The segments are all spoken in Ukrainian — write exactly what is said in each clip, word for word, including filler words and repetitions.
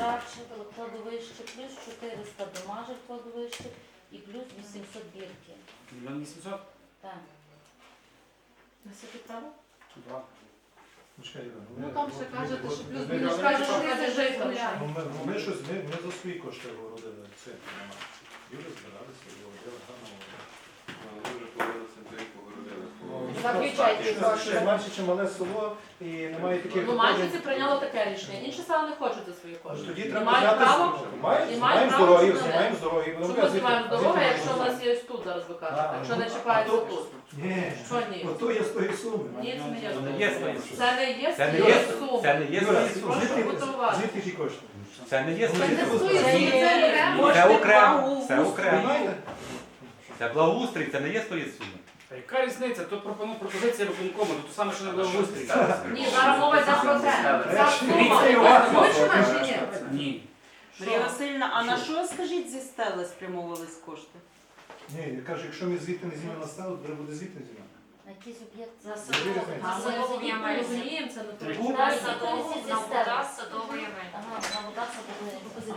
Радче кладовище, плюс чотириста Домажик кладовище і плюс вісімсот бірки. Мільйон вісімсот? Так. На скільки право? Два. Ну там ще кажете, що плюс ми- мінус ми- каже, що ми- каже житло. Ну, ми, ми, щось, ми, ми за свої кошти городили це нема. Люди збиралися, городили гарно. Дуже повелися, де погородили. Заключайте Ще кошти. менше, чи мале село, і немає таких... Ну, Манчиці прийняло таке рішення. Інші села не хочуть за свої Ну, кошти. тоді І треба мають взяти... право, Маємо, і знімаємо мають з право дороги, знімати. знімаємо з дороги. будемо Чому казати, знімаємо з звідти дороги, маємо якщо у знімати. нас є ось тут, зараз ви кажете, А, якщо не ну, чіпається а то- тут. Ні, Що ні? ото є з тої суми. Ні, це не є. Це не є свої суми. Це не є Це не свої є- суми. Це не є Юра, свої суми. Прошу звідки- бути уважним. Звідки ті кошти? Це не є Ну, свої звідки суми. ви Це знаєте? є окремо. Це окремо. Це окремо. Понімаєте? Це благоустрій, це не є свої суми. Та яка різниця? То пропоную пропозиція виконкому, то саме, що не було устрій. Ні, зараз мова йде про це. Ця сума. Дивіться, Іван. Хочемо чи ні? Ні. Марія Васильівна, а на що, скажіть, зі стели спрямовувались кошти? Ні, я кажу, якщо ми звідти не знімемо на стелу, то треба буде звідти знімати. На якийсь об'єкт За за садову. садову. А ми розуміємо, ми розуміємо, це не Три. то. На садову, на вода садової Ага, на вода садової.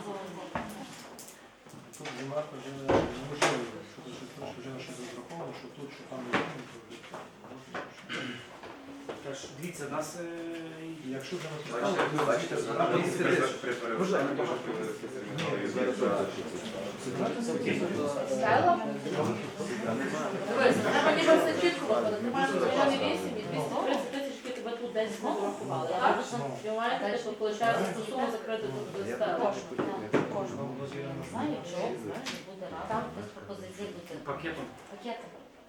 Тут знімати вже неможливо, що тут щось трошки вже на щось розраховано, що тут, що там не знімемо, то вже можна. Та ж, дивіться, нас... е, І якщо вже на Бачите, стелу, бачите, то зараз треба при- при перевиконанні теж повелися Стела? Дивись, треба ніби все чітко виходити. Ти маєш мільйон вісім і двісті тридцять тисяч, які тебе тут десь не врахували. Так? Ви маєте, типу, виходить, цю суму закрити тут до стели. Знаю, чого, знаєш, буде рада, без пропозицій бути. пакетом. Пакети.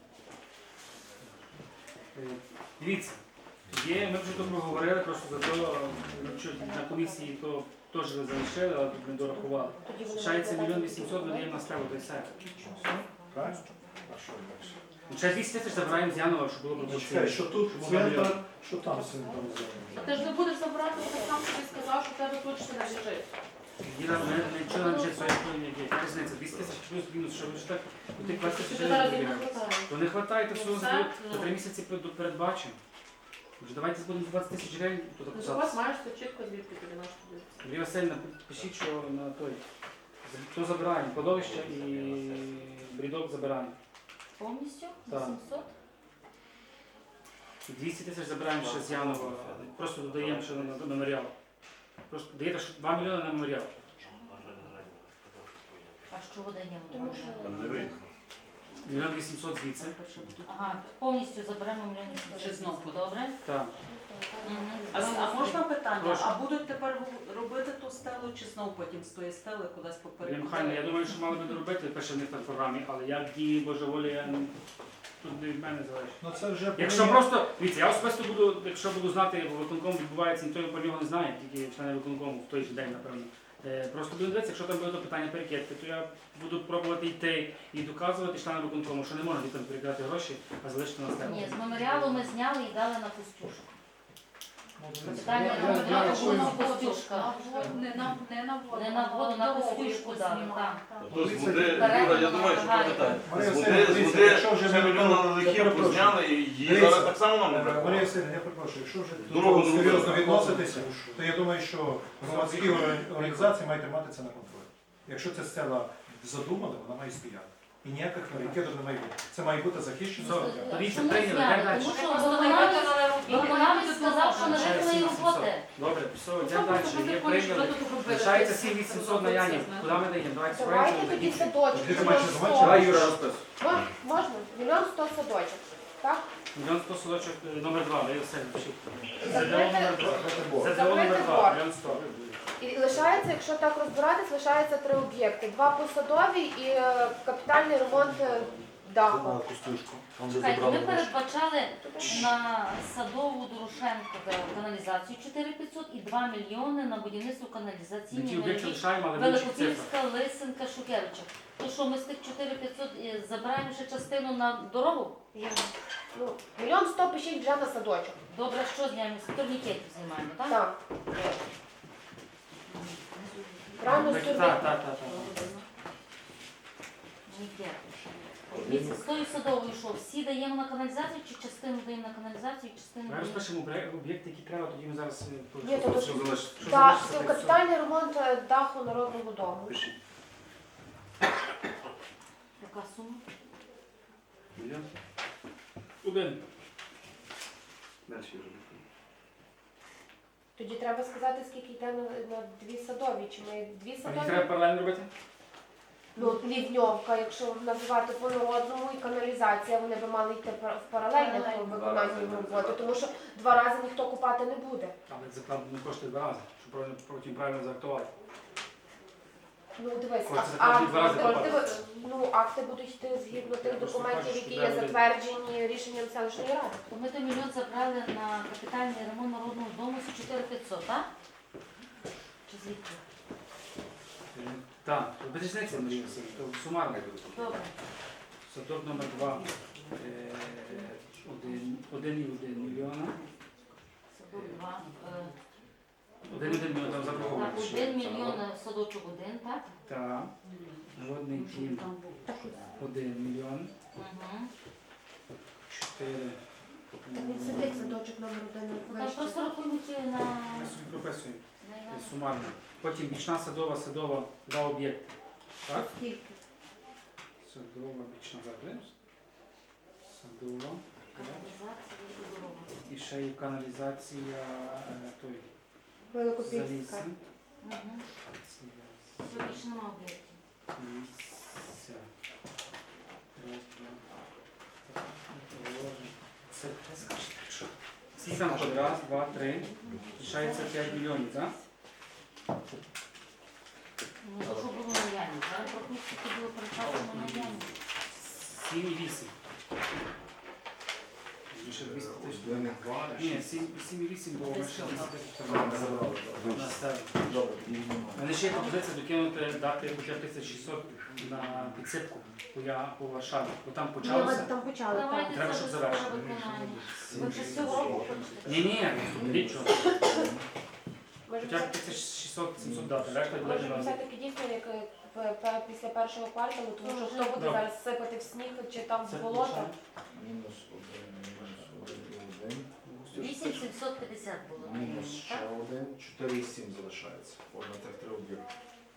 Е, Дивіться, є, ми вже тут проговорили, просто за то, що на комісії то теж ви залишили, але тут не дорахували. Лишається мільйон вісімсот, видаємо на стелу, то й все. Правильно? А що далі? Ну, ще двісті тисяч забираємо з Янова, щоб було Ну, чекай, пропозиція. що тут центр, що там центр. А ти ж не будеш забирати, бо ти сам собі сказав, що в тебе точно не лежить. Діна, ми нічого не вчить, своє не є. Яка різниця? двісті тисяч плюс-мінус, що ви ж так, у тих двадцять Чи тисяч ти зараз їм не гривень. хватає? То не вистачає, то все Ну, за це, за ну. три місяці перед- передбачимо. Вже давайте будемо двадцять тисяч гривень тут Ну, у вас записати. маєш все чітко звідки тобі наш туди. Марія Васильівна, пишіть, що на той. То забираємо, кладовище і брідок забираємо. Повністю? Так. вісімсот? І двісті тисяч забираємо ще з Янова, просто додаємо ще на на меморіал. Просто даєте що два мільйони на меморіал. А що видаємо? Тому що- Мільйон вісімсот звідси. Ага, повністю заберемо мільйон Чи знову? Добре? Так. Мгм. А, а можна питання? Прошу. А будуть тепер робити ту стелу, чи знов потім з тої стели кудись Марія Михайлівна, я попереду? думаю, що мали би доробити, пише в них на програмі, але як дії божеволі, я не- тут не від мене залежить. Ну це вже... Якщо повинні- просто, дивіться, я особисто буду, якщо буду знати, бо виконком відбувається, ніхто про нього не знає, тільки члени виконкому в той же день, напевно. Е, Просто буду дивитися, якщо там буде то питання перекидки, то я буду пробувати йти і доказувати членам виконкому, що не можна дітям перекидати гроші, а залишити на себе. Ні, з меморіалу ми зняли і дали на Костюшку. Ну, дивіться, Питання я- на я- я меморіалу рахую- було на Костюшка. Не на не на воду. Не на воду, на дорогу Костюшку якусь дали, знімати. так. Так. Тож з води, Юра, я думаю, що пам'ятаєте. Марія З Васильівна, води, з дивіться, води якщо вже ще ми- мільйон я лихів перепрошую. позняли, і її Дивіться, зараз так само нам не Е, Марія бракує. Васильівна, я перепрошую, якщо вже до Дорогу того не серйозно робити. відноситися, то я думаю, що громадські орг- організації мають тримати це на контролі. Якщо ця стела задумана, вона має стояти. І ніяких перекидів не має бути. Це має бути захищено. Все. стаття. Тоді Чому прийняли, зняли? так далі. Тому що Просто не виконавець виконали роботу. виконавець сказав, що не Лишається виконали сім роботи. вісімсот. Добре, все, Ну, йдемо просто далі. ти Є хочеш, прийняли. що тут робити? Лишається сім вісімсот на Яні. Куди ми даємо? Давайте Давайте справимо. тоді садочок. Ти Мільйон бачиш, сто. бачиш? Давай, Юра, розпис. Мож- Можна? Мільйон сто садочок. Так? Мільйон сто садочок е, номер два, Марія Васильівна, пишіть. ЗДО Закрити- номер два. ЗДО Закрити номер два, борг. мільйон сто. І лишається, якщо так розбиратись, лишається три об'єкти. Два посадові і е, капітальний ремонт е, даху. Чекайте, ми передбачали на садову Дорошенко каналізацію чотири тисячі п'ятсот і два мільйони на будівництво Ми каналізаційної ті об'єкти мережі лишаємо, але більше цифр. Великопільська, Лисенка, Шукевича. То що ми з тих чотири тисячі п'ятсот е, забираємо ще частину на дорогу? Ну, мільйон сто пишіть вже на садочок. Добре, що знімаємо? З турнікетів знімаємо, так? Так. Рано Так, собі. так, так, так. Турнікети. Дивіться, з тою садовою, що всі даємо на каналізацію, чи частину даємо на каналізацію, частину Ми даємо? розпишемо обре- об'єкти, які треба, тоді ми зараз е, по- Ні, то що то- залишиться. Що Так, залишиться, це так, капітальний ремонт е, даху народного дому. Пишіть. Яка сума? Мільйон? Один. Далі вже. Тоді треба сказати, скільки йде на, на дві садові. Чи ми дві А їх садові? треба паралельно робити? Ну, лівньовка, якщо називати по народному і каналізація, вони би мали йти пар- в паралельне Паралельно. виконанні роботи, тому що два рази ніхто купати не буде. Але це правда не коштує два рази, щоб правильно- потім правильно заактувати. Ну, дивись, Хочеться а- тоді два рази акти, купати. диви- ну, акти будуть йти згідно тих Я просто документів, кажу, які що є треба затверджені рішенням селищної ради. То ми той мільйон забрали на капітальний ремонт народного дому з чотири п'ятсот, так? Чи звідки? Е, Так, без різниці, Марія Васильівна, то сумарно. Добре. Садок номер два. е, Один, один і один мільйона. Садок два. е, Один і один мільйон там Так, заборгованість. один мільйон е, садочок один, так? Так. Народний дім один мільйон. Угу. Чотири. Так він сидить садочок номер один Ну, там просто рахуємо ті на... Ми собі прописуємо. на- е, Сумарно. Потім бічна садова, садова, два об'єкти. Так? Скільки? Садова, бічна закрив. Садова. Каналізація і дорога. І ще є каналізація е, той Великопільська. заліси. Угу. Все, більше нема об'єктів. Ліся. Раз, два. Положимо. Це скажете, що? Скільки там ходить? Раз, два, три. Лишається п'ять мільйонів, так? Ну, то що було на ямі? Зараз трохи скільки було перекладено на ямі. Сім і вісім. Ще двісті тисяч. Ні, сім, сім і вісім, бо ми ще двісті тисяч на себе. У мене ще є пропозиція докинути дати хоча б тисяч шістсот на підсипку по, я, по Варшаві. Бо там Ні, ми почалося. там почали. так. Давайте Треба, це щоб до завершити. свого виконання. Ви вже з цього року хочете? Ні, ні, нічого. Може, Хоча б тисяч шістсот сімсот дати, решта може буде на все-таки дійсно, як е, п- п- після першого кварталу, тому що хто буде Добре. зараз сипати в сніг чи там Це в болото. лишаємо. Мінус один, мінус один і один. вісім сімсот п'ятдесят було на Мінус ямі, ще так? один, чотири і сім залишається. От на тих три об'єкти.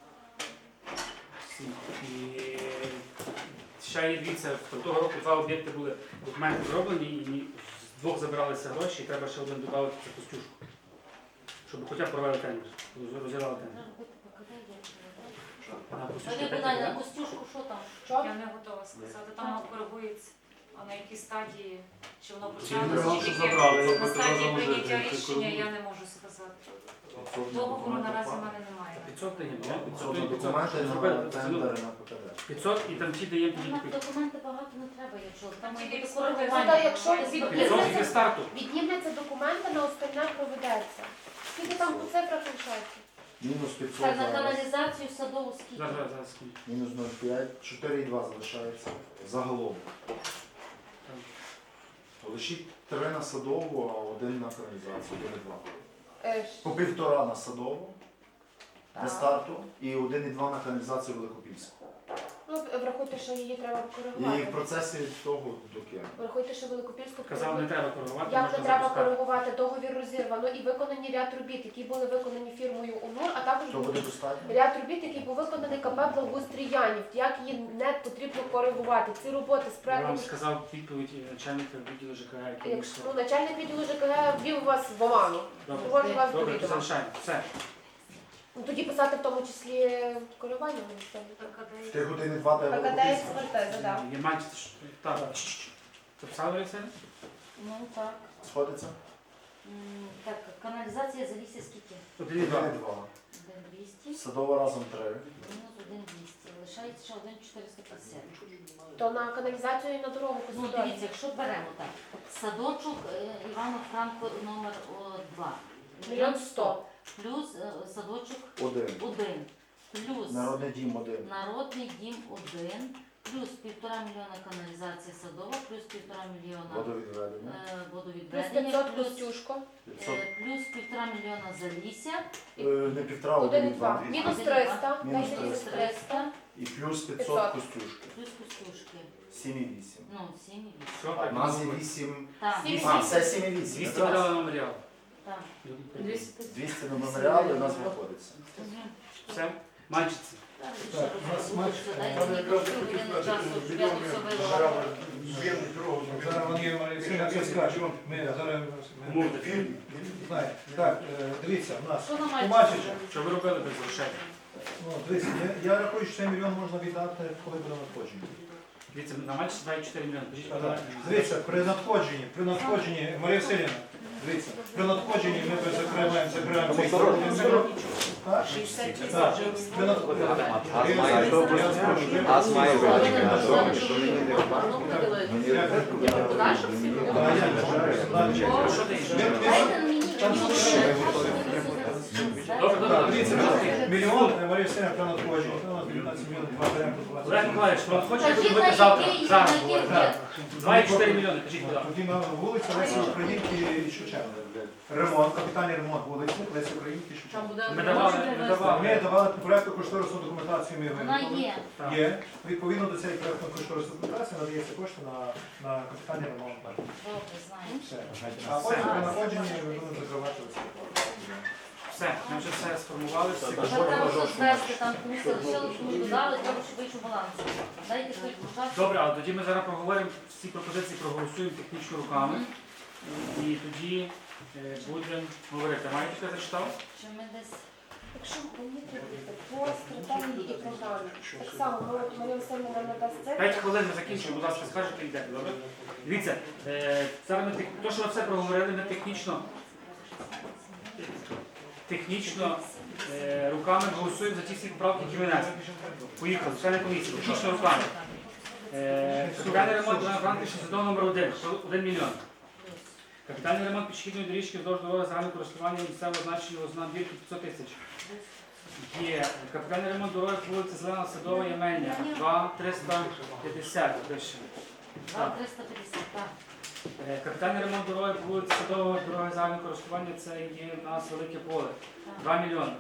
Всі. І ще є дивіться, того року два об'єкти були документи зроблені, і ні- з двох забиралися гроші, і треба ще один додати це Костюшку. Щоб хоча б провели тендер, розірвали тендер. Треба робити ПКД, я вже А на Костюшку Тоді п'ять питання на буде? Костюшку, що там? Що? Я не готова сказати. Там воно коригується. А на якій стадії, чи воно Ці мільйони, почалося, що чи забрали, тільки ви на будете стадії разом прийняття жити, рішення, коригують. я не можу сказати. Договору наразі в мене немає. п'ятсот даємо, ні? п'ятсот, Тобто п'ятсот. документи Зробили, на потягнули. тендери на ПКД. п'ятсот і там ті даємо тоді Нам копійки. документи багато не треба, якщо там має бути Тільки коригування. Ну, та якщо Тобто, п'ятсот і зі старту. Віднімляться документи, на остальне проведеться. Скільки там по цифрах лишається? Мінус п'ятсот Так, на зараз. каналізацію садову скільки? Зараз, зараз, зараз. секунду. Мінус нуль цілих п'ять, чотири і два залишається. Загалом. Лишіть три на садову, а один на каналізацію. Один і два. Е, ж- По півтора на садову, для Так. старту, і один і два на каналізацію Великопільську. Ну, врахуйте, що її треба І в коригувати. процесі того доки. Врахуйте, що Великопільську Казав, не треба коригувати, Як не можна треба запускати. коригувати, договір розірвано і виконані ряд робіт, які були виконані фірмою УНУР, а також То був буде достатньо? ряд робіт, які був виконаний КП Благоустрій Янів. Як її не потрібно коригувати. Ці роботи з Я проектом. вам сказав відповідь начальника відділу ЖКГ, який Якщо сказав. ну, начальник відділу ЖКГ ввів вас в оману, Добре, доводжу вас до добре, то відома. залишаємо. Все. Ну, тоді писати в тому числі коригування. В тих один і два де ПКД Великопільська. експертиза, так. Є менше. Так. Записали все? Ну так. Сходиться? М, Так, каналізація залізся скільки? Один і Один два. і два. один двісті, Садова разом три. мінус один двісті. Лишається ще один чотириста п'ятдесят. То на каналізацію і на дорогу Ну, посудові. дивіться, якщо беремо так, садочок е, Івано-Франко номер два. Мільйон сто. Плюс е, садочок Один. один. Плюс Народний дім один. народний дім один. Плюс півтора мільйона каналізація садова, плюс півтора мільйона Водовідведення. е, Плюс водовідведення, п'ятсот плюс, Костюшко. п'ятсот. е, плюс півтора мільйона залісся. Е, Не півтора, Один і один і два. два. Мінус Один і два. триста. Мінус Дайте Мінус мінус триста. І плюс п'ятсот п'ятсот. костюшки. Плюс кустушки. сім і вісім. Ну, сім і вісім. Що А так? в нас є вісім. Так, Сім. А, все сім і вісім. двісті якраз. мільйонів на меморіал. так. двісті двісті на меморіал і у нас виходиться. Все? Мальчиці. Так, у нас матч. Задайте мені трошки години часу, щоб я тут все вивела. Зараз вони Марія все скажуть. Ми зараз ми- Умовте. знаєте. Так, е, дивіться, у нас Що на Томачича. мальчика? Що ви робили без грошей? Ну, дивіться, я, я рахую, що цей мільйон можна віддати, коли буде надходження. Дивіться, на мальчиці два цілих чотири мільйони. Кажіть, Так, подавайте. дивіться, при надходженні, при надходженні, Марія Василівна, дивіться, при надходженні ми закриваємо, закриваємо цей мільйон. Так? Так, при надходженні. Газ має добре. Газ має Вони велике не на сказали, добре. що вони не воно поділиться. Подальше всі? А, я не знаю, далі. О, що ти? Ми- ми- Дайте мені Там мені що? ще. Добре, Так, добре. дивіться, мільйон, е, Марія Василівна, при надходженні. У нас дев'ятнадцять мільйонів, два беремо по Олег двадцять. Миколаївич, що хочете Кажіть, на робити завтра? який, на Зараз який говоримо. рік? два цілих чотири мільйони, кажіть, куди? Тоді на вулиця Лесі Українки і Шевченка. Ремонт, капітальний ремонт вулиці Лесі Українки і Там Шевченка. буде Ми давали, ми давали. Ми давали проєкту кошторисну документацію, ми Вона виготовили. є. Так. Є. Відповідно до цієї проєктної кошторисної документації надається кошти на, на капітальний ремонт. Добре, знаю. Все. А потім при надходженні ми будемо закривати ці. Все, ми вже все сформували, всі Тепер треба щось звести, там комусь лишили, комусь додали, треба, щоб вийшов баланс. Дайте хвильку часу. Добре, але тоді ми зараз проговоримо всі пропозиції, проголосуємо технічно руками. І тоді е, будемо говорити. Маєте що я зачитав? Чи ми десь... Якщо мені треба по стратегії і програмі, так само, ми от Марія Васильівна нам надасть це. П'ять хвилин ми закінчимо, будь ласка, скажете і йдете, добре? Дивіться, е, зараз ми тех- то, що ви все проговорили, ми технічно, технічно е, руками голосуємо за ті всі поправки, які ви несли. Поїхали, члени комісії, технічно руками. Е, Капітальний ремонт на Франківській садов номер один, один мільйон. Капітальний ремонт пішохідної доріжки вздовж дороги загального користування місцевого значення ознак бірки п'ятсот тисяч. Є капітальний ремонт дороги по вулиці Зелена Садова Ємельня, два триста п'ятдесят. пише. два триста п'ятдесят, так. Е, Капітальний ремонт дороги по вулиці Садова, дороги загального користування, це є у нас Велике Поле, два мільйони.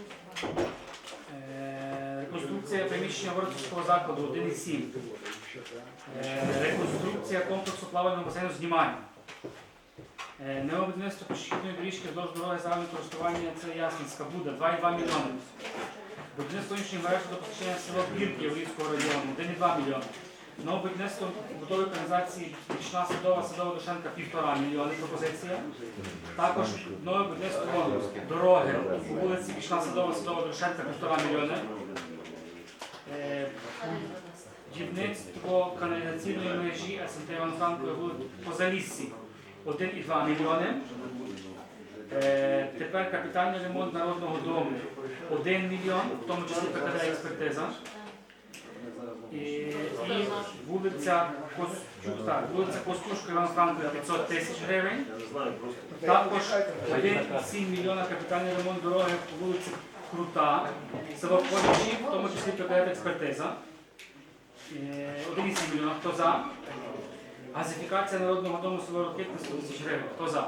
Е, Реконструкція приміщення Воротівського закладу, один і сім. Е, Реконструкція комплексу плавального басейну знімання. Е, Необудівництво пішохідної доріжки вздовж дороги загального користування, це Ясницька буде, два і два мільйони. Будівництво іншої мережі до постачання села Бірки Яврівського району, один і два мільйони. Нове будівництво будови каналізації Річна Садова, Садова Дошенка, півтора мільйони пропозиція. Також нове будівництво дороги по вулиці Річна Садова, Садова Дошенка, півтора мільйони. Е, Будівництво каналізаційної мережі СМТ Івано-Франкової вулиці по Заліссі, один і два мільйони. Е, Тепер капітальний ремонт Народного дому, один мільйон, в тому числі ПКД експертиза. І, і вулиця Костю, так, вулиця Костюшка Івано-Франкової п'ятсот тисяч гривень. Також один і сім мільйона капітальний ремонт дороги по вулиці Крута, село Ковичі, в тому числі ПКД експертиза. Е, один і сім мільйона. Хто за? Газифікація Народного дому село Рокитне сто тисяч гривень. Хто за?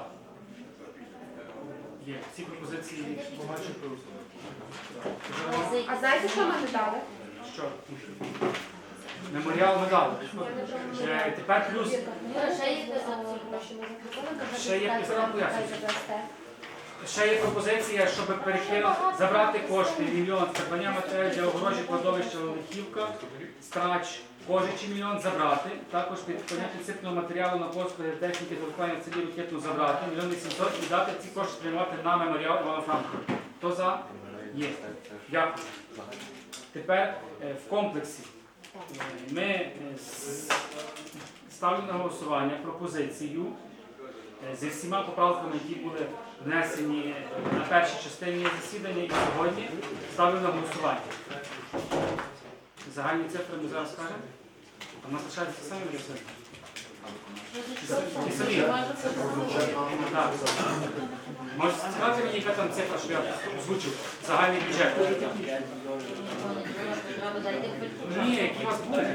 Є. Всі пропозиції побачили. А знаєте, що ми не дали? Що? Меморіал медаль. Е, Тепер плюс Ще є Ще є півтора пояснення. ще є пропозиція, щоб перекинути, забрати кошти мільйон з придбання матеріалів для огорожі кладовища Лихівка, страч, Кожичі мільйон забрати. Також під поняття підсипного матеріалу на послуги техніки телефонів в селі Ракетну забрати мільйон вісімсот і дати ці кошти спрямувати на меморіал Івана Франка. Хто за? Є. Дякую. Тепер е, в комплексі е, ми е, с- ставлю на голосування пропозицію е, зі всіма поправками, які були внесені на першій частині засідання і сьогодні ставлю на голосування. Загальні цифри ми зараз скажемо. А в нас лишаються самі рішення. Ті самі. Так. Можете сказати мені, яка там цифра, що я озвучив? Загальний бюджет. Ні, які у вас були?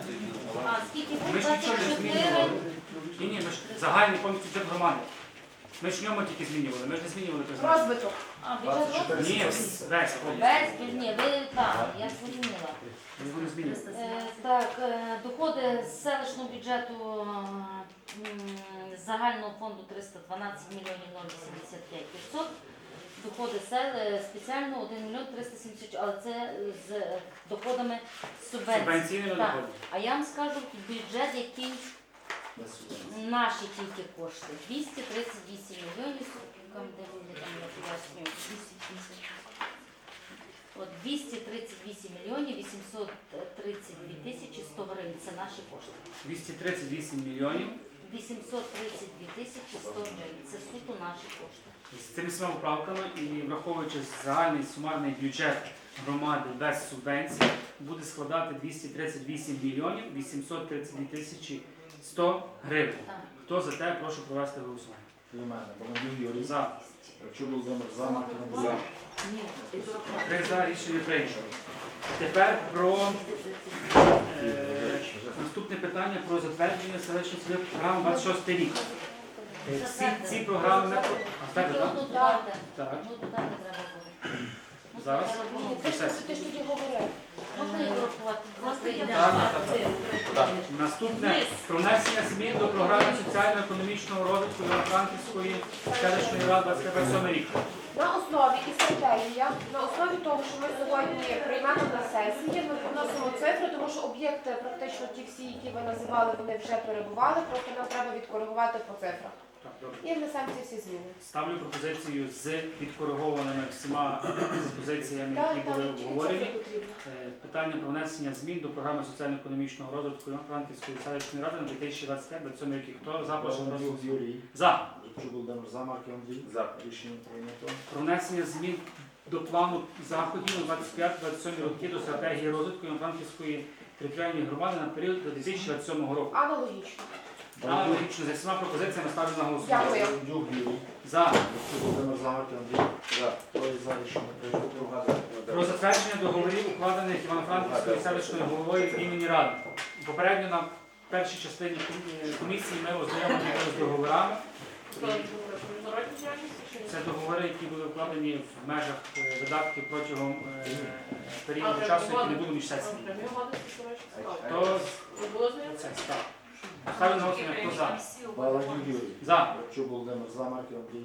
А скільки Ми буде? ж нічого не двадцять чотири. змінювали. Ні, ні, ми ж загальний повністю бюджет громади. Ми ж в ньому тільки змінювали, ми ж не змінювали призначення. Розвиток. А, бюджет розвитку? Ні, весь повністю. Весь, ні, ви так, я зрозуміла. Ми його не змінювали. Е, Так, е, доходи з селищного бюджету м, з загального фонду триста дванадцять мільйонів нуль сімдесят п'ять відсотків. Доходи сел е, спеціально один мільйон триста сімдесят, але це з е, доходами субвенцій. Субвенційними Так. доходами. А я вам скажу, бюджет, який наші тільки кошти. двісті тридцять вісім мільйонів, там, де вони там я пояснюю, двісті тридцять. От двісті тридцять вісім мільйонів вісімсот тридцять дві тисячі сто гривень. Це наші кошти. двісті тридцять вісім мільйонів. вісімсот тридцять дві тисячі сто гривень. Це суто наші кошти. З цими всіма поправками і враховуючи загальний сумарний бюджет громади без субвенцій, буде складати двісті тридцять вісім мільйонів вісімсот тридцять дві тисячі сто гривень. Так. Хто за те, прошу провести голосування. І в мене. Баландюк Юрій. За. Якщо Володимир за, Марків Андрій. Ні, Три за, рішення прийнято. Тепер про е, наступне питання про затвердження селищної сільської програми двадцять шостий рік. Е, Ці, ці програми не про- А, так, Тільки так? одну додати. Так. Одну додати треба буде. Ну, Зараз? треба Ні, було. ти ж ти ж тоді говорив. Можна її врахувати? Власне, я Так, так, так. Наступне про внесення змін до програми соціально-економічного розвитку Івано-Франківської селищної ради двадцять сьомий рік. На основі і стратегія, на основі того, що ми сьогодні приймемо на сесії, ми вносимо цифри, тому що об'єкти, практично ті всі, які ви називали, вони вже перебували, просто нам треба відкоригувати по цифрах. Так, добре. І внесемо ці всі зміни. Ставлю пропозицію з підкоригованими всіма пропозиціями, Так, які так, були тільки обговорені. цифри потрібно. Е, Питання про внесення змін до програми соціально-економічного розвитку Івано-Франківської селищної ради на дві тисячі двадцять п'ять двадцять сьомий рік. Хто за, прошу Баландюк голосувати. Юрій. За. Якщо Володимир за, Марків Андрій. За. Рішення прийнято. Про внесення змін до плану заходів на двадцять п'ять двадцять сьомий роки до стратегії розвитку Івано-Франківської територіальної громади на період до дві тисячі двадцять сьомого року. Аналогічно. Аналогічно за всіма пропозиціями ставлю на голосування. Дякую. Баландюк Юрій. За. Якщо Володимир за, Марків Андрій. За. Троє за, рішення прийнято. Про затвердження договорів, укладених Івано-Франківською селищною головою імені Ради. Попередньо на першій частині ком- комісії ми ознайомлені з договорами. Про міжнародні діяльності чи ні? Це договори, які були укладені в межах е, видатків протягом е, А, періоду прям часу, які не угоди? було між А, сесіями. прямі угоди, це, до речі, цікаво. То Ви були знайомі? це став. Ставлю на голосування, хто за. Баландюк Юрій. За. Якщо Володимир за, Марків Андрій.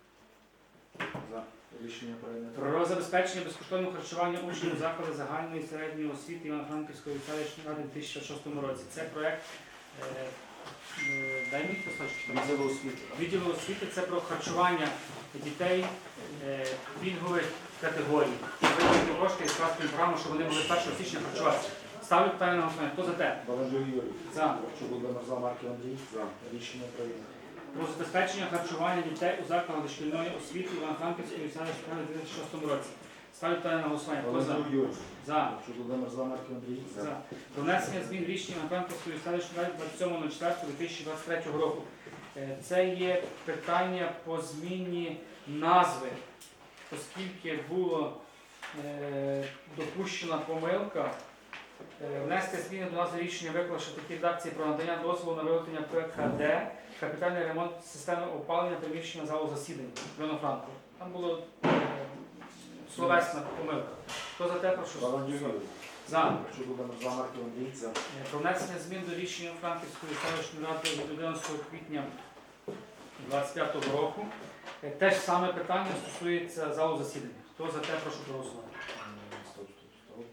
За. Рішення прийнято. Про забезпечення безкоштовного харчування учнів закладів загальної і середньої освіти Івано-Франківської селищної ради у дві тисячі шостому році. Це проект. е, е, Дай мені кусочок. Відділу освіти. Відділу освіти це про харчування дітей е, пільгових категорій. Виділити кошти і скласти програму, щоб вони могли першого січня харчуватися. Ставлю питання на голосування. Хто за те? Баландюк Юрій. За. Якщо Володимир за, Марків Андрій. За. Рішення прийнято. Про забезпечення харчування дітей у закладах дошкільної освіти Івано-Франківської селищної ради у дві тисячі шостому році. Ставлю питання на голосування. Хто за? Баландюк Юрій. За. Якщо Володимир за, Марків Андрій. За. Про внесення змін рішення Івано-Франківської селищної ради двадцять сьомого четвертого дві тисячі двадцять третього року. Е, Це є питання по зміні назви, оскільки була е, допущена помилка. Е, Внести зміни до назви рішення виклавши такі редакції про надання дозволу на виготовлення ПКД, капітальний ремонт системи опалення приміщення залу засідань Івано-Франку. Там було е, словесна помилка. Хто за те, прошу? Баландюк Юрій. За. Якщо Володимир за, Марків Андрій. За. Е, Про внесення змін до рішення Франківської селищної ради від одинадцятого квітня двадцять п'ятого року. Е, Те ж саме питання стосується залу засідання. Хто за те, прошу проголосувати. Стоп, стоп, стоп.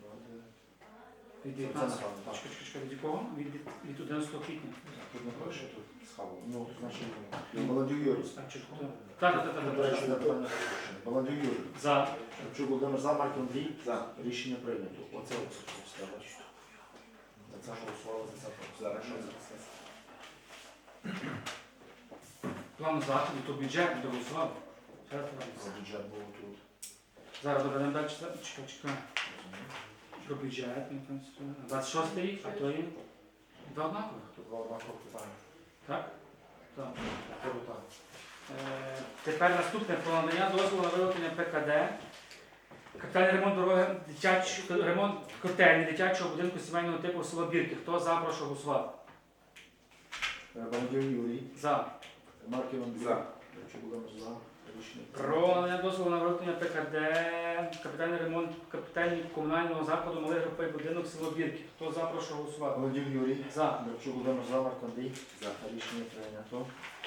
Від Це дев'ятнадцятого. не так. Чекай, чекай, чекай, від якого? Від, від одинадцятого квітня. Тут не пише, тут схавало. Ну, значить, Баландюк Юрій. Так, чи хто? Так, так, так, До так, речі, так. питання запущене. Баландюк Юрій. За. Якщо Володимир за, Марків Андрій. За. Рішення прийнято. Оце ось все бачите. За це голосували, за це Зараз що проголосували. це? План заходу, то бюджет не доголосував. Зараз За подивимося. бюджет було тут. Зараз добре, не далі читати. Чекай, чекай. Про бюджет, ну, там, двадцять шостий рік, а то є два однакових. Тут два однакових питання. Так? Так. Хто питання? Е, Тепер наступне про надання дозволу на виготовлення ПКД. Капітальний ремонт дороги, дитяч... ремонт котельні дитячого будинку сімейного типу село Бірки. Хто за, прошу голосувати. Баландюк Юрій. За. Марків Андрій. За. Якщо будемо за рішення Про надання дозволу на виготовлення ПКД, капітальний ремонт капітального комунального закладу малий груповий будинок село Бірки. Хто за, прошу голосувати. Володів Юрій. За. Грабчук Володимир за. Марко Андрій. За. Рішення прийнято.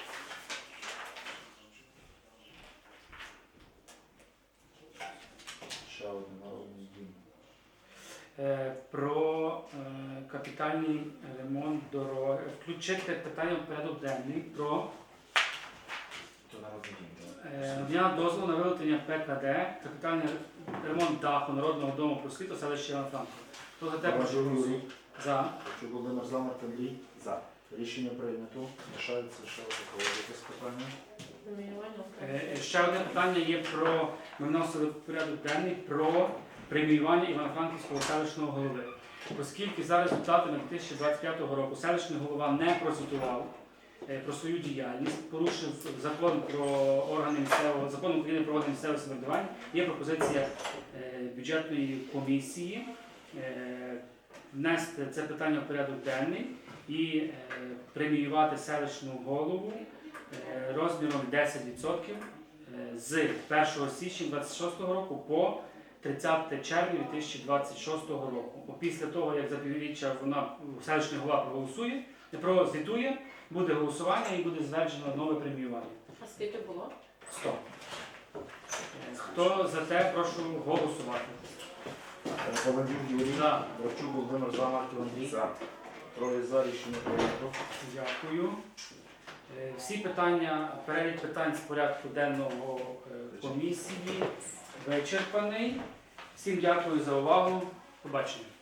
Ще один народний дім. Е, Про е, капітальний ремонт дороги. Включити питання в порядок денний про То народний дім. так? е, надання дозволу на виготовлення ПКД, капітальний ремонт даху Народного дому просвіту селища Івано-Франківськ. Хто за те, прошу Володів голосувати. Юрій. За. Грабчук Володимир за. Марко Андрій. За. Рішення прийнято. Лишається ще одне якесь питання. Преміювання Е, е, Ще одне питання є про, ми вносили в порядок денний про преміювання Івано-Франківського селищного голови. Оскільки за результатами дві тисячі двадцять п'ятого року селищний голова не прозвітував е, про свою діяльність, порушив закон про органи місцевого, закон України про органи місцевого самоврядування, є пропозиція е, бюджетної комісії е, внести це питання в порядок денний і е, преміювати селищного голову е, розміром десять відсотків е, з першого січня двадцять шостого року по тридцяте червня дві тисячі двадцять шостого року. Після того, як за півріччя вона селищний голова проголосує, прозвітує, буде голосування і буде затверджено нове преміювання. А скільки було? сто. Е, Хто за те, прошу голосувати. Володів Юрій. За. Грабчук Володимир за. Марко Андрій. За. Троє за. Рішення прийнято. Дякую. Е, Всі питання, перелік питань з порядку денного е, комісії вичерпаний. Всім дякую за увагу. Побачення.